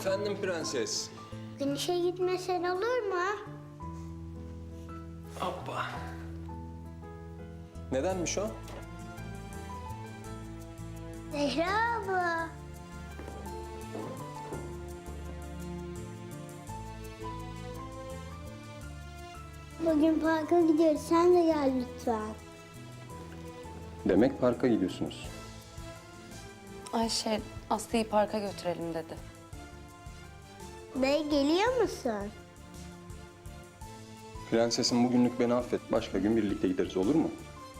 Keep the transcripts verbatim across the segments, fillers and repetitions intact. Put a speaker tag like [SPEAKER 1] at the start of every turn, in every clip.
[SPEAKER 1] Efendim prenses.
[SPEAKER 2] Bugün işe gitmesen olur mu?
[SPEAKER 1] Hoppa. Nedenmiş o?
[SPEAKER 2] Zehra abla. Bugün parka gidiyoruz. Sen de gel lütfen.
[SPEAKER 1] Demek parka gidiyorsunuz.
[SPEAKER 3] Ayşe, Aslı'yı parka götürelim dedi.
[SPEAKER 2] Bey geliyor musun?
[SPEAKER 1] Prensesim bugünlük beni affet. Başka gün birlikte gideriz, olur mu?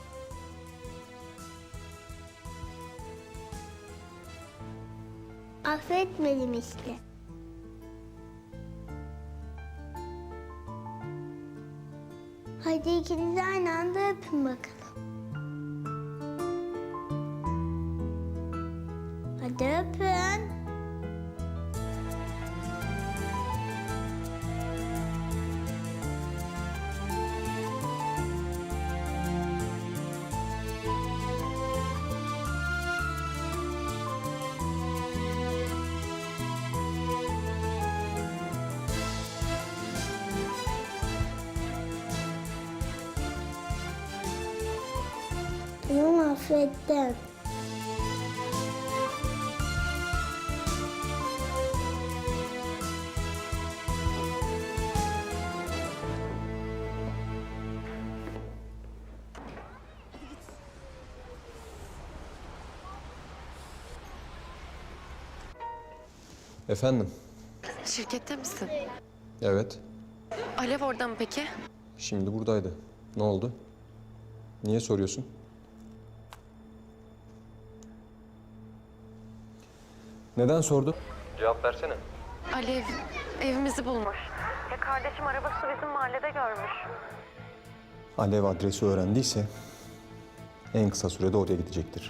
[SPEAKER 2] Affetmedim işte. Hadi ikiniz aynı anda öpün bakalım. Hadi öpün. Tamam, affettim.
[SPEAKER 1] Efendim?
[SPEAKER 3] Şirkette misin?
[SPEAKER 1] Evet.
[SPEAKER 3] Alev orada mı peki?
[SPEAKER 1] Şimdi buradaydı. Ne oldu? Niye soruyorsun? Neden sordun? Cevap versene.
[SPEAKER 3] Alev evimizi bulmuş. Ya kardeşim arabası bizim mahallede görmüş.
[SPEAKER 1] Alev adresi öğrendiyse en kısa sürede oraya gidecektir.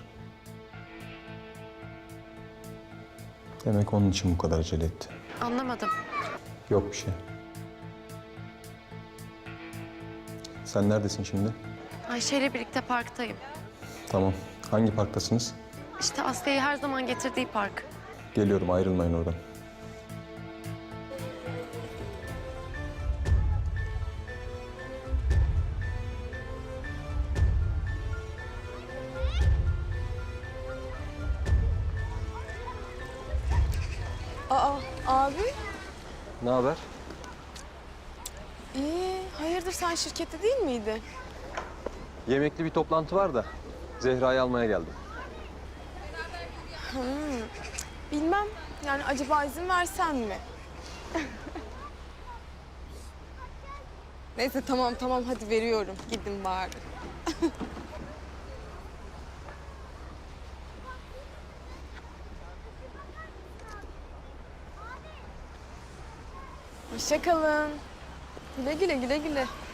[SPEAKER 1] Demek onun için bu kadar acele etti.
[SPEAKER 3] Anlamadım.
[SPEAKER 1] Yok bir şey. Sen neredesin şimdi?
[SPEAKER 3] Ayşe ile birlikte parktayım.
[SPEAKER 1] Tamam. Hangi parktasınız?
[SPEAKER 3] İşte Aslı'yı her zaman getirdiği park.
[SPEAKER 1] Geliyorum, ayrılmayın oradan.
[SPEAKER 4] Aa, abi.
[SPEAKER 1] Ne haber?
[SPEAKER 4] İyi, hayırdır sen şirkette değil miydi?
[SPEAKER 1] Yemekli bir toplantı var da Zehra'yı almaya geldim.
[SPEAKER 4] Bilmem, yani acaba izin versen mi? Neyse tamam tamam hadi veriyorum. Gidin bari. Hoşça kalın. Güle güle güle güle.